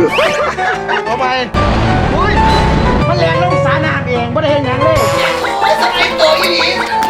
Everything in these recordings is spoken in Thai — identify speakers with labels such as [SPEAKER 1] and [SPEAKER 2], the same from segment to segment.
[SPEAKER 1] เอาไปอุ้ยมันแรงลงสาน้ำเองไม่ได้เห็นยังเลยไม่สไลด์ตัวอีหลี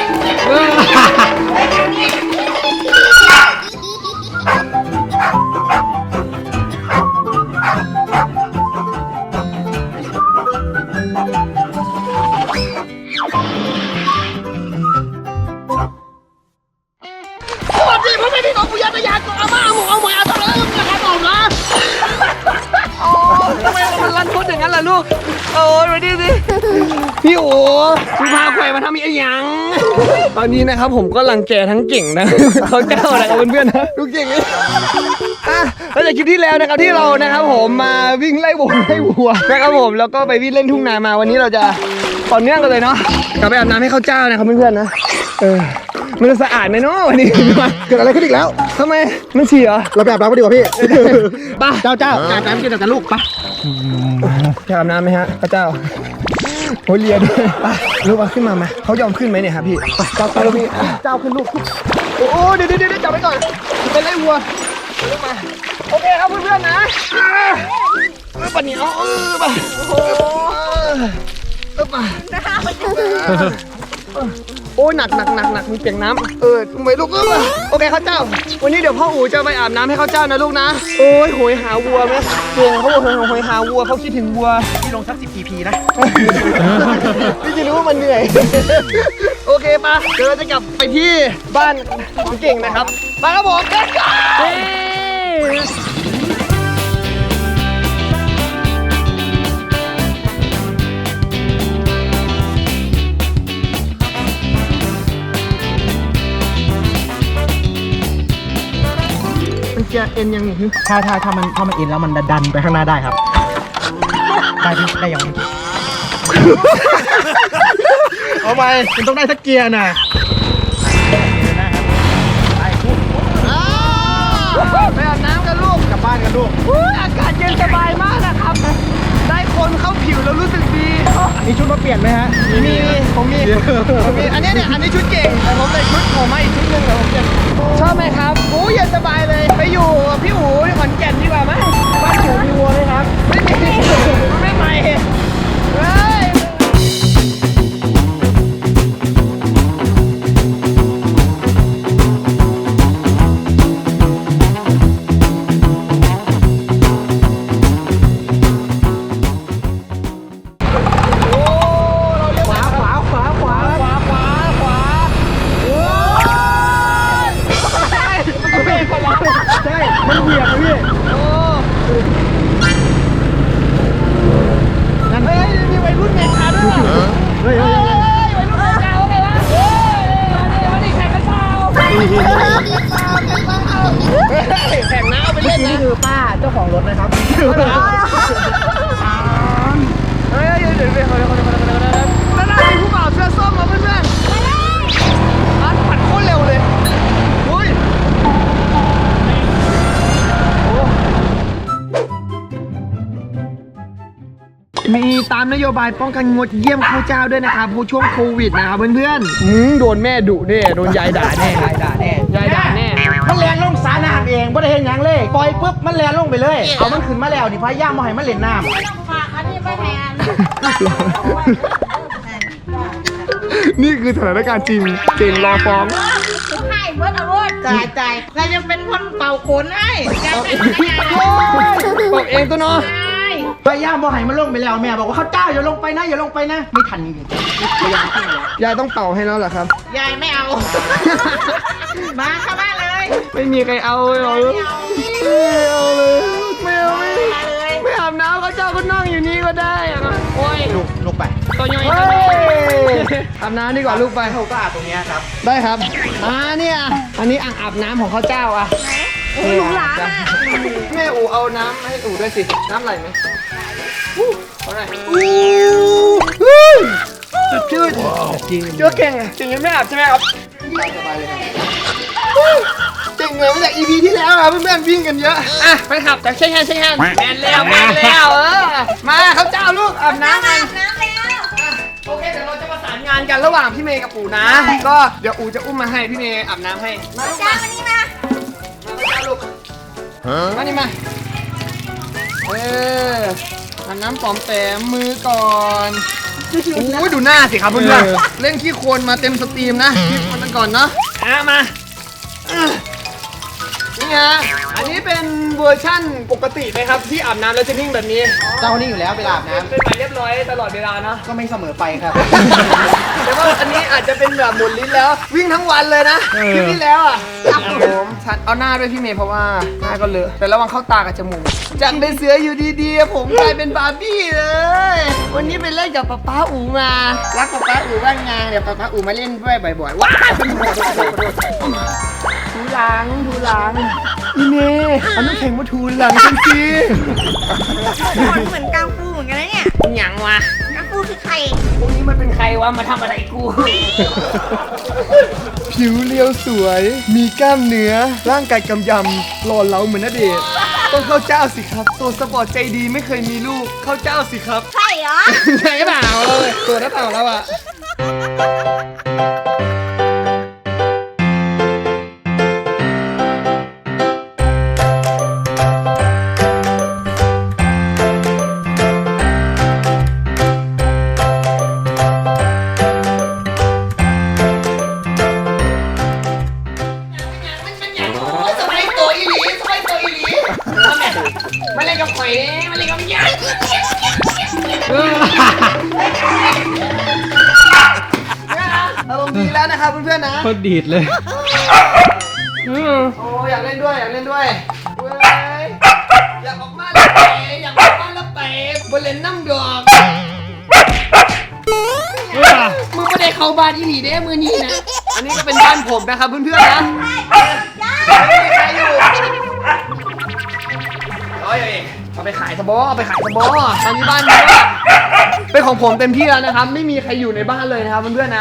[SPEAKER 1] สวัสดีพ่อแม่พี่น้องผู้ยาตยานตัวอาม่าหมูเอาหมวยเอาตัวเลยนะครับผมนะโอ้ทำไมมันรันทุนอย่างนั้นล่ะลูกโอ้ยมาดิสิพี่โอ้คุณพาใครมาทำอีกอย่างตอนนี้นะครับผมก็รังแกทั้งเก่งนะเขาเจ้านะครับเพื่อนๆนะดูเก่งเลยแล้วจากคลิปที่แล้วนะครับที่เรานะครับผมมาวิ่งไล่วัวนะครับผมแล้วก็ไปวิ่งเล่นทุ่งนามาวันนี้เราจะต่อเนื่องกันเลยเนาะกลับไปอาบน้ำให้ข้าวเจ้านะครับเพื่อนๆนะมันจะสะอาดไหมเนาะวันนี้เกิดอะไรขึ้นอีกแล้วทำไมมันฉี่เหรอเราไปอาบน้ำกันดีกว่าพี่ป่ะเจ้าอาบน้ำกินกับลูกป่ะจะอาบน้ำไหมฮะพระเจ้าโอ้เลียด้วยป่ะลูกเอาขึ้นมาไหมเขายอมขึ้นไหมเนี่ยครับพี่เจ้าพี่เจ้าขึ้นลูกโอ้เดี๋ยวจับไปก่อนเป็นไล่วัวลูกมาโอเคครับเพื่อนๆนะป่ะเหนียวป่ะโอ้ป่ะโอ้ยหนักมีเปียกน้ำทำไมลูกโอเคข้าวเจ้าวันนี้เดี๋ยวพ่ออู๋จะไปอาบน้ำให้ข้าวเจ้านะลูกนะโอ้ยโหยหาวัวไหมเก่งเขาบอกโหยหาวัวเขาคิดถึงวัวพี่ลงสัก10 PP นะพี่จะรู้ว่ามันเหนื่อยโอเคปะเดี๋ยวเราจะกลับไปที่บ้านของเก่งนะครับไปครับผมเด็กเกียร์เอ็นยังถ้ามันเอ็นแล้วมันดันไปข้างหน้าได้ครับได้ยังเอาไปมันต้องได้สักเกียร์น่ะไปอาบน้ำกันลูกกลับบ้านกันลูกอากาศเย็นสบายมากนะครับได้คนเข้าผิวแล้วรู้สึกดีมีชุดมาเปลี่ยนไหมฮะมีผมมีอันนี้เนี่ยอันนี้ชุดเก่งแต่ผมใส่ชุดผมมาอีกชุดหนึ่งเดี๋ยวผมจะชอบไหมครับโอ้เย็นสบายเลยไปอยู่พี่หูขอนแก่นดีกว่าไหมบ้านหูมีวัวไหมครับไม่มีไม่ไปเฮ้ยมันเหยียบเลยพี่นั่นเฮ้ยมีวัยรุ่นเมกาด้วยเฮ้ยวัยรุ่นเมกาไงวะมาดิแข่งกันเปล่าแข่งน้าไปเล่นนะนี่คือป้าเจ้าของรถนะครับเฮ้ยเดี๋ยวนั่นมีผู้บ่าวเสื้อส้มมาเพื่อนๆปั่นโคตรเร็วเลยมีตามนโยบายป้องกันงดเยี่ยมข้าวเจ้าด้วยนะครับผู้ช่วงโควิดนะครับเพื่อนๆโดนแม่ดุแน่โดนยายด่าแน่มันแรงลงสาน้ำเองไม่ได้เห็นยังเลยปล่อยปุ๊บมันแรงลงไปเลยเอามันขึ้นมาแล้วดิพายามมาให้มันเล่นน้ำไม่ต้องฝากอันนี้ไปแทนนี่คือสถานการณ์จริงเก่งรอฟ้อง
[SPEAKER 2] ให้เบิร์ดเอารถจ่ายใครจะเป็นคนเป่าขนให้จ่าย
[SPEAKER 1] บอกเองตัวเนาะพยายามบอกให้มันลงไปแล้วแม่บอกว่าข้าวเจ้าอย่าลงไปนะไม่ทันจริงยายต้องเป่าให้แล้วเหรอครับ
[SPEAKER 2] ยายไม่เอามาเข้าบ้านเลย
[SPEAKER 1] ไม่มีใครเอาเลยไม่อาบน้ำข้าวเจ้าก็นั่งอยู่นี่ก็ได้โอ้ยลูกไปตัวย่อยอาบน้ำดีกว่าลูกไปเขาก็อาบตรงนี้ครับได้ครับเนี่ยอันนี้อ่างอาบน้ำของข้าวเจ้าอ่ะ
[SPEAKER 2] หนูหลาน
[SPEAKER 1] แม่อูเอาน้ำให้อูด้วยสิน้ำไหลไหมเอาหน่อยชื่อเก่งยังไม่อาบใช่ไหมครับสบายเลยเก่งเหมือนจาก EP ที่แล้วครับเพื่อนๆวิ่งกันเยอะไปขับจากเช่นแมนแล้วมาเขาเจ้าลูกอาบน้ำกันโอเคเดี๋ยวเราจะประสานงานกันระหว่างพี่เมย์กับปู่นะก็เดี๋ยวอูจะอุ้มมาให้พี่เมย์อาบน้ำให้มาลูกมานี่มามานี่มาอันน้ำปอมแปมมือก่อนโอ้ดูหน้าสิครับเพื่อนๆเล่นขี้โคลนมาเต็มสตรีมนะขี้โคลนกันก่อนเนาะมานี่ฮะอันนี้เป็นเวอร์ชั่นปกติไหมครับที่อาบน้ำแล้วจะนิ่งแบบนี้
[SPEAKER 3] เจ้านี่อยู่แล้วเวลาอาบน้
[SPEAKER 1] เป็นหมายเรียบร้อยตลอดเวลาเนาะ
[SPEAKER 3] ำก็ไม่เสมอไปครับ
[SPEAKER 1] แต่ว่าอันนี้อาจจะเป็นแบบหมุนลิ้นแล้ววิ่งทั้งวันเลยนะคลิปที่แล้วอ่ะครับผมชัดเอาหน้าด้วยพี่เมย์เพราะว่าหน้าก็เลอะแต่ระวังเข้าตากับจมูกจากเป็นเสืออยู่ดีๆผมกลายเป็นบาร์บี้เลยวันนี้ไปเล่นกับป๊าอูมารักป๊าอูบ้างไงเดี๋ยวป๊าอูมาเล่นด้วยบ่อยๆว้าวถูหลังอีเมย์เอาน้ำแข็งมาถูหลังฉันสิ
[SPEAKER 2] คนเหมือนกังฟูเหมือนกันนะเนี่ย
[SPEAKER 1] หยังวะ
[SPEAKER 2] กังฟูคือใคร
[SPEAKER 1] พวกนี้มันเป็นใครวะมาทำอะไรกู ผิวเรียวสวย มีกล้ามเนื้อ ร่างกายกำยำหล่อเหลาเหมือนณเดชน์ต้องเข้าเจ้าสิครับโซสปอร์ตใจดีไม่เคยมีลูก เข้าเจ้าสิครับ
[SPEAKER 2] ใช่เหรอ
[SPEAKER 1] ใช่เปล่าตัวหรือเปล่าแล้วอะมาเล่นกับข่อยมาเล่นกับยักษ์อารมณ์ดีแล้วนะครับเพื่อนๆนะ
[SPEAKER 4] โคตรดีดเลย
[SPEAKER 1] โอ้อยากเล่นด้วยเว้ยอยากออกมาแล้วไปอยากออกมาแล้วไปบนเล่นน้ำดอกมึงไม่ได้เข้าบ้านอีหลีได้มือนี้นะอันนี้ก็เป็นบ้านผมนะครับเพื่อนๆนะไม่มีใครอยู่เอาไปขายสบอตอนนี้บ้านนี้เป็นของผมเต็มที่แล้วนะครับไม่มีใครอยู่ในบ้านเลยนะครับเพื่อนๆนะ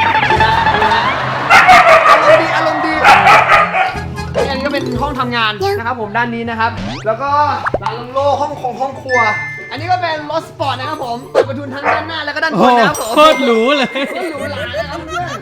[SPEAKER 1] อารมณ์ดีอันนี้ก็เป็นห้องทำงานนะครับผมด้านนี้นะครับแล้วก็ร้านโล่ห้องครัวอันนี้ก็เป็นรถสปอร์ตนะครับผมเปิดประทุนทั้งด้านหน้าแล้วก็ด้านบ
[SPEAKER 4] โอ้
[SPEAKER 1] นนะครับผม
[SPEAKER 4] โคตรหรูเลย
[SPEAKER 1] หรูหรานะครับเพื่อน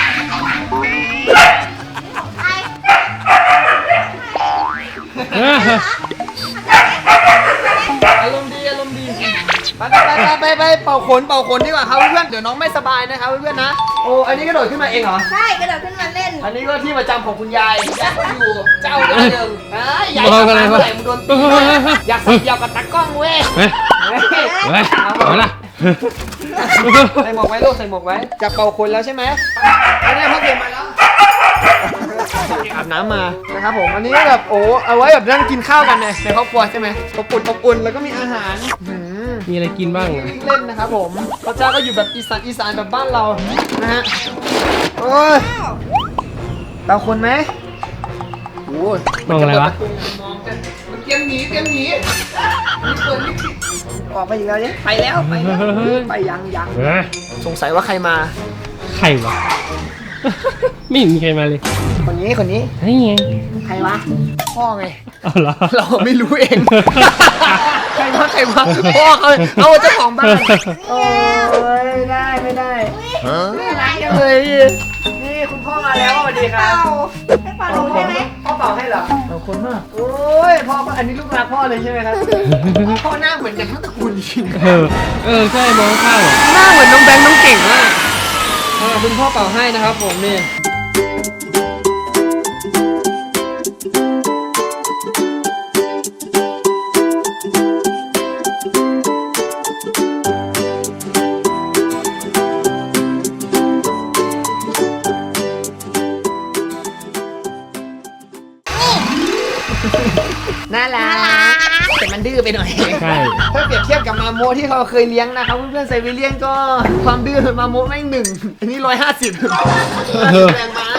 [SPEAKER 1] อารมณ์ดีไปเป่าขนดีกว่าครับเพื่อนเดี๋ยวน้องไม่สบายนะครับเพื่อนนะโอ้อันนี้กระโดดขึ้นมาเองเหรอ
[SPEAKER 2] ใช่กระโดดขึ้นมาเล่น
[SPEAKER 1] อันนี้ก็ที่ประจำของคุณยายอยู่เจ้าหน้าเดิมยาย
[SPEAKER 4] มองอะไรวะ
[SPEAKER 1] ใส่มึงโดนตีอยากสับยาวกับตากล้องเว้ย
[SPEAKER 4] เฮ้ยเฮ้ยเอาละ
[SPEAKER 1] ใส่หมวกไว้ลูกใส่หมวกไว้จับเป่าขนแล้วใช่ไหมอันนี้พ่อเก็บมาแล้วอาบน้ำมานะครับผมอันนี้แบบโอ้เอาไว้แบบนั่งกินข้าวกันในครอบครัวใช่ไหมอบอุ่นแล้วก็มีอาหาร
[SPEAKER 4] มีอะไรกินบ้าง
[SPEAKER 1] วิ่งเล่นนะครับผมพระเจ้าก็อยู่แบบอีสานแบบบ้านเรานะฮะโอ้ยเป่าขนไหมโอ้ย
[SPEAKER 4] มองอะไรวะ
[SPEAKER 1] มองกันเตรียมหนีมีเปิดลิฟต์ออกไปอีกแล้วเนี่ยไปแล้วไปยังสงสัยว่าใครมา
[SPEAKER 4] ใครวะ ไม่เห็นมีใครมาเลย
[SPEAKER 1] คนนี้
[SPEAKER 4] เฮ้ยไง
[SPEAKER 1] ใครวะพ่อไง
[SPEAKER 4] เอาเหรอ
[SPEAKER 1] เราไม่รู้เอง ใครวะพ่อเขาเอาเจ้าของบ้านโอ้ยไม่ได้ไม่ได้อะไรเลยนี่คุณพ่อมาแล้วสวัสดีครับ
[SPEAKER 2] ให้เป่าลงได้ไหม
[SPEAKER 1] พ่อเป่าให้เหรอขอบคุณมากโอ้ยพ่ออันนี้ลูกรักพ่อเลยใช่ไหมครับพ่อหน้าเหมือนกันทั้งตระกูลจริง
[SPEAKER 4] ใช่มองข้างอ่ะ
[SPEAKER 1] หน้าเหมือนน้องแบงค์น้องเก่งมากคุณพ่อเป่าให้นะครับผมนี่น่ารักแต่มันดื้อไปหน่อย
[SPEAKER 4] ใช่
[SPEAKER 1] ถ้าเปรียบเทียบกับมาโมที่เขาเคยเลี้ยงนะครับเพื่อนๆไซบีเรียนก็ความดื้อมาโมแม่ง1อันนี้150แรงม้า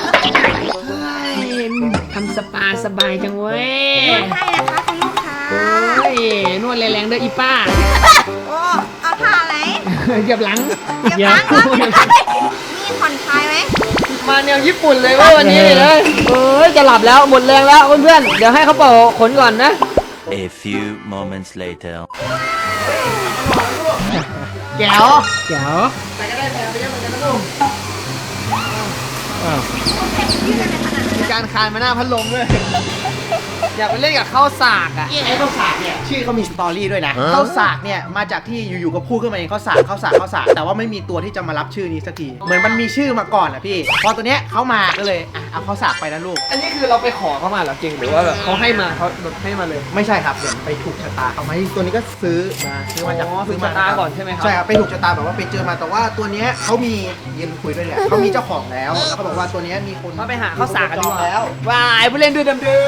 [SPEAKER 1] ทำสปาสบายจังเว้ย
[SPEAKER 2] ให้นะคะคุณลูกค้า
[SPEAKER 1] โอ้ยนวดแรงๆด้วยอีป้า
[SPEAKER 2] โอ้เอาท่าอะไร
[SPEAKER 1] เหยียบหลัง
[SPEAKER 2] เดี๋ยวฟังก่อนนี่ผ่อนคลายไหม
[SPEAKER 1] มาแนวญี่ปุ่นเลยว่าวันนี้เลยเอ้ยจะหลับแล้วหมดแรงแล้วเพื่อนๆเดี๋ยวให้เขาเป่าขนก่อนนะ
[SPEAKER 5] A few moments later.
[SPEAKER 1] แก้ว
[SPEAKER 4] เจ๋ว
[SPEAKER 1] ไปก็ได้ไปก็เหมือนกันนะลูก
[SPEAKER 4] อ้าว
[SPEAKER 1] มีการคานมาหน้าพัดลมด้วยอยากไปเล่นกับข้าวสากอ่ะ
[SPEAKER 3] ไอ้ข้าวสากเนี่ยชื่อเขามีสตอรี่ด้วยนะข้าวสากเนี่ยมาจากที่อยู่ๆก็พูดขึ้นมาเองข้าวสากแต่ว่าไม่มีตัวที่จะมารับชื่อนี้สักทีเหมือนมันมีชื่อมาก่อนอะพี่พอตัวเนี้ยเขามาก็เลยเอาข้าวสากไปนะลูก
[SPEAKER 1] อันนี้คือเราไปขอเขามาเหรอเก่งหรือว่าแบบเขาให้มาเขาให้มาเลย
[SPEAKER 3] ไม่ใช่ครับเดี๋ยวไปถูกชะตาเขาไหมตัวนี้ก็ซื้อมาจาก
[SPEAKER 1] ถูกชะตาก่อนใช่ไหมครับ
[SPEAKER 3] ใช่ครับไปถูกชะตาแบบว่าไปเจอมาแต่ว่าตัวเนี้ยเขามียืนคุยด้วยเนี่ยเขามีเจ้าของแล้วเขาบอกว่าตัวเนี้ยมีคน
[SPEAKER 1] มาไปหาข้าวสากกัน
[SPEAKER 3] จ
[SPEAKER 1] ดี
[SPEAKER 3] อง
[SPEAKER 1] กว่า
[SPEAKER 3] แล้ว
[SPEAKER 1] วายผู้เล่นดื้อดำดื้อ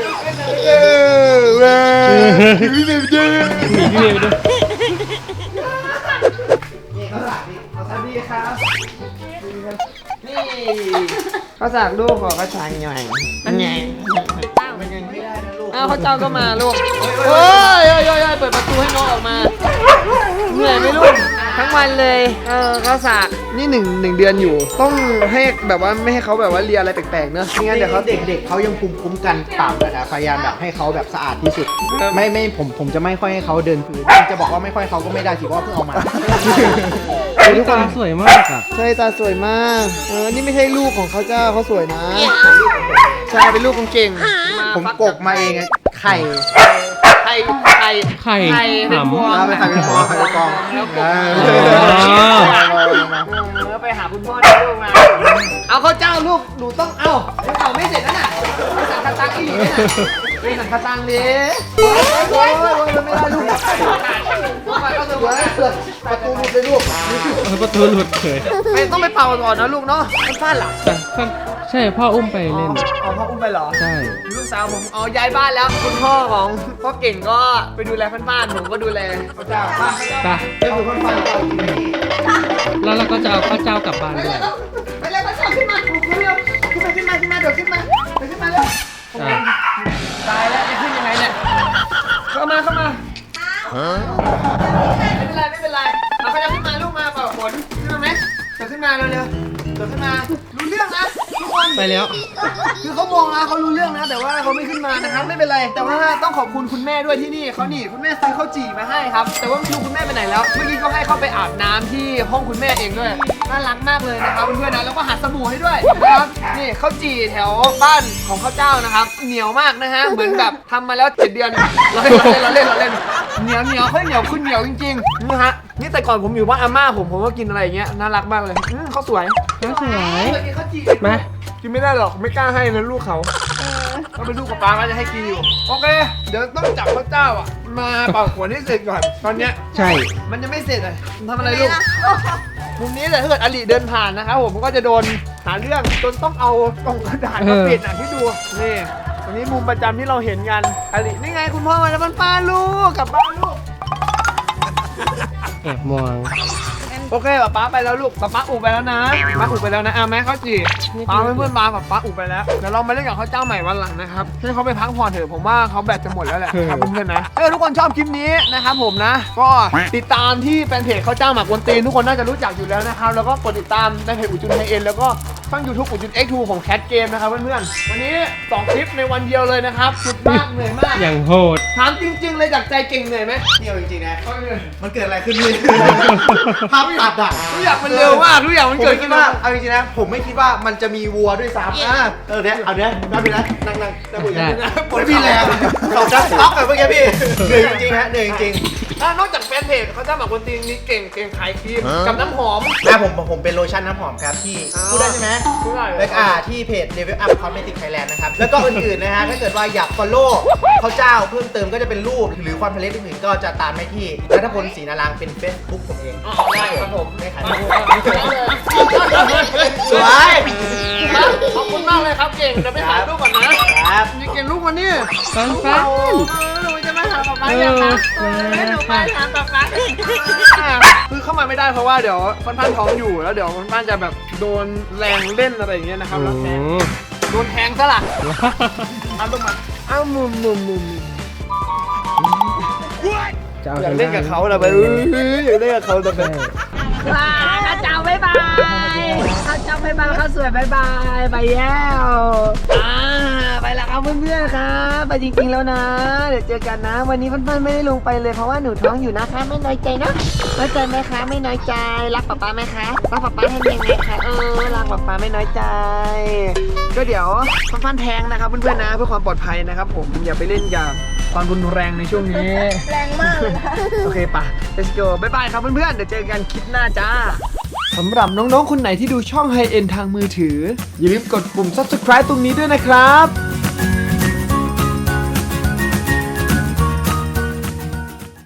[SPEAKER 4] หนีพี่เมย์ไปด้วย
[SPEAKER 3] นี่ข้าวสากนี่ข้าวสากดีครับ
[SPEAKER 1] นี่ข้าวสากลูกขอข้าวสากหน่อยนั่นไง
[SPEAKER 3] มันยังไม่ได้นะลูก
[SPEAKER 1] อ้าวข้าวเจ้าก็มาลูกโอ้ยเปิดประตูให้น้องออกมาเหนื่อยไหมลูกทั้งวันเลยข้าวสากนี่หนึ่งเดือนอยู่ ต้องให้แบบว่าไม่ให้เขาแบบว่าเลียอะไรแปลกๆเนอะไม่งั้นเดี๋ยวเขา
[SPEAKER 3] เด็กๆเขายังภูมิคุ้มกันต่ำนะครับพยายามแบบให้เขาแบบสะอาดที่สุด ไม่ผมจะไม่ค่อยให้เขาเดินพื้นจะบอกว่าไม่ค่อยเขาก็ไม่ได้สิเพราะว่าเพิ่งเอามา
[SPEAKER 4] ทุกคนสวยมากอ่ะ
[SPEAKER 1] ใช่ตาสวยมากนี่ไม่ใช่ลูกของเขาเจ้าเขาสวยนะใช่เป็นลูกของเก่ง
[SPEAKER 3] ผมกกมาเองอะไข่
[SPEAKER 1] ไข่
[SPEAKER 4] ไข่
[SPEAKER 1] เป็นพวง
[SPEAKER 3] เอาไปไข่เป็นฟองไข่เป็นฟอง
[SPEAKER 1] ไปหาคุณพ่อได้ลูกมาเอาข้าวเจ้าลูกหนูต้องเอาไม่เสร็จแล้วน่ะไปสั่งกระตังอีหลีน่ะไปสั่งกระตังดิโอ้ยไม่ได้ลูกก็สวย
[SPEAKER 3] ประตูหลุดเลยลูก
[SPEAKER 4] ประตูหลุดเฉย
[SPEAKER 1] ไม่ต้องไปเป่าก่อนนะลูกเนาะมันพลาดหรอ
[SPEAKER 4] ใช่พ่ออุ้มไปเล่น
[SPEAKER 1] เอาพ่ออุ้มไปเหรอ
[SPEAKER 4] ใช่
[SPEAKER 1] ลูกสาวผมเอาย้ายบ้านแล้วคุณพ่อของพ่อเก่งก็ไปดูแลบ้านๆผมก็ดูแลข้าวเจ้า
[SPEAKER 4] ไป
[SPEAKER 3] ก็คือคนฟังเรากินนี่
[SPEAKER 4] แล้วเราก็จะเอาข้าวเจ้ากลับบ้านด้วย
[SPEAKER 1] ไปเลยข้าวเจ้าขึ้นมาเร็วขึ้นมาเดี๋ยวขึ้นมาเร็ว
[SPEAKER 4] อ่ะ
[SPEAKER 1] ตายแล้วจะขึ้นยังไงเนี่ยเข้ามาไม่เป็นไรเอาเขาจะขึ้นมาลูกมาเปล่าฝนขึ้นมาไหมเดี๋ยวขึ้นมาเร็วเดี๋ยวขึ้นมารู้เรื่องนะทุกคน
[SPEAKER 4] ไปแล้ว
[SPEAKER 1] คือเขามองนะเขารู้เรื่องนะแต่ว่าเขาไม่ขึ้นมานะครับไม่เป็นไรแต่ว่าต้องขอบคุณคุณแม่ด้วยที่นี่เขานี่คุณแม่ซื้อข้าวจี่มาให้ครับแต่ว่าไม่รู้คุณแม่ไปไหนแล้วเมื่อกี้ก็ให้เขาไปอาบน้ำที่ห้องคุณแม่เองด้วยน่ารักมากเลยนะครับเพื่อนๆนะแล้วก็หาสบู่ให้ด้วยนะครับนี่ข้าวจี่แถวบ้านของข้าวเจ้านะครับเหนียวมากนะฮะเหมือนแบบทำมาแล้ว7 เดือนเราเล่นเหนียวเขาเหนียวขึ้นเหนียวจริงๆนะฮะนี่แต่ก่อนผมอยู่บ้านอาม่าผมก็กินอะไรอย่างเงี้ยน่ารักมากเลยเขาสวย
[SPEAKER 4] สวย
[SPEAKER 1] กินข้าวจี่
[SPEAKER 4] มา
[SPEAKER 1] กินไม่ได้หรอกไม่กล้าให้นะลูกเขาก็เป็นลูกกับป้าก็จะให้กินอยู่โอเคเดี๋ยวต้องจับพระเจ้าอ่ะมาเป่าขวดให้เสร็จก่อนตอนเนี้ย
[SPEAKER 4] ใช่
[SPEAKER 1] มันยังไม่เสร็จเลยทำอะไรลูกมุมนี้เลยถ้าเกิดอลิเดินผ่านนะครับผมก็จะโดนหาเรื่องจนต้องเอากล่องกระดาษมาปิดอ่ะที่ดูนี่ตรงนี้มุมประจำที่เราเห็นกันอลินี่ไงคุณพ่อมาแล้วมันป้าลูกกลับบ้านลูก
[SPEAKER 4] แอบมอง
[SPEAKER 1] โอเคป๊าไปแล้วลูกป๊าอุบไปแล้วนะป๊าอุบไปแล้วนะแม่ข้าวจี่ป๊าเพื่อนๆมาป๊าอุบไปแล้วเดี๋ยวเรามาเล่นกับข้าวเจ้าใหม่วันหลังนะครับให้เขาไปพักผ่อนเถอะผมว่าเขาแบตจะหมดแล้วแหละครับเพื่อนๆนะถ้าทุกคนชอบคลิปนี้นะครับผมนะก็ติดตามที่แฟนเพจข้าวเจ้าหมักกวนตีนทุกคนน่าจะรู้จักอยู่แล้วนะครับแล้วก็กดติดตามในเพจอุจุนไฮเอ็นแล้วก็ช่อง YouTube อุจุน X2 ของแคทเกมนะครับเพื่อนๆวันนี้2 คลิปในวันเดียวเลยนะครับสุดมากเหนื่อยมาก
[SPEAKER 4] อย่างโหด
[SPEAKER 1] ถามจริงๆเลยจากใจเก่งเหนื่อยไหม
[SPEAKER 3] เที่ยวจริงๆนะมันเกิดอะไรขึ้นนี่ภาพตัดอ่ะ
[SPEAKER 1] ทุกอย่างมันเร็วมากทุกอย่างมัน
[SPEAKER 3] ผม
[SPEAKER 1] เกิด
[SPEAKER 3] ไม่คิ
[SPEAKER 1] ขึ้
[SPEAKER 3] ด
[SPEAKER 1] น
[SPEAKER 3] ว่า
[SPEAKER 1] มา
[SPEAKER 3] เอาจริงๆนะผมไม่คิดว่ามันจะมีวัวด้วยซ้ำเนี่ยเอาเนี่ยนั่งไปนะนั่งจะบุญยังไม่มีแรงเราจะซ็อกแบบเมื่อกี้พี่เหนื่อยจริงๆฮะเหนื่อยจริง
[SPEAKER 1] นอกจากแฟนเพจเขาจะหมักคนตีนนี่เก่งขายครีมกับน้ำหอม
[SPEAKER 3] นะผมเป็นโลชั่นน้ำหอมครับที่พูดได้ใช่ไหม
[SPEAKER 1] พูดได้
[SPEAKER 3] แล้วก็ที่เพจ Level Up Cosmetic Thailand นะครับแล้วก็อื่นๆนะฮะถ้าเกิดว่าอยาก follow เขาเจ้าเพิ่มเติมก็จะเป็นรูปหรือความทะเลอื่นๆก็จะตามได้ที่รัฐพลศรีนารางเป็น Facebook ผมเอง
[SPEAKER 1] ได้ครับผม
[SPEAKER 3] ไม่ขาย
[SPEAKER 1] สวยขอบคุณมากเลยครับเก่งจะไปถ่ายรูปก่อนนะครับ นี่เก่งรูปวันนี้
[SPEAKER 4] ฟันฟัน
[SPEAKER 2] หนูจะมาหาป๊าป๊าอย่างนะหนูมาหาป๊าป๊า
[SPEAKER 1] คือเข้ามาไม่ได้เพราะว่าเดี๋ยวค่อนข้างท้องอยู่แล้วเดี๋ยวค่อนข้างจะแบบโดนแรงเล่นอะไรอย่างเงี้ยนะครับแล้วแทงโดนแทงซะล่ะเอาลูกมาเอามุมอยากเล่นกับเขาเลยไปอยากเล่นกับเขาแต่ไป
[SPEAKER 2] ข้าเจ้าบ๊ายบายข้าเจ้าบ๊ายบายข้าสวยบ๊ายบายไปแล้ว
[SPEAKER 1] ไปแล้วครับครับเพื่อนๆครับไปจริงๆแล้วนะเดี๋ยวเจอกันนะ วันนี้เพื่อนๆไม่ได้ลงไปเลยเพราะว่าหนูท้องอยู่นะคะไม่น้อยใจนะน้อยใจไหมคะไม่น้อยใจรักป๊าป๊าไหมคะรักป๊าป๊าให้ยังไงคะรักป๊าป๊าไม่น้อยใจก็เดี๋ยวฟันแทงนะครับเพื่อนๆนะเพื่อความปลอดภัยนะครับผมอย่าไปเล่นกับความรุนแรงในช่วงนี้
[SPEAKER 2] แรงมากเลยนะ
[SPEAKER 1] โอเคปะ let's go บ๊ายบายครับเพื่อนๆเดี๋ยวเจอกันคลิปหน้าจ้าสำหรับน้องๆคนไหนที่ดูช่อง High End ทางมือถืออย่าลืมกดปุ่ม subscribe ตรงนี้ด้วยนะครับ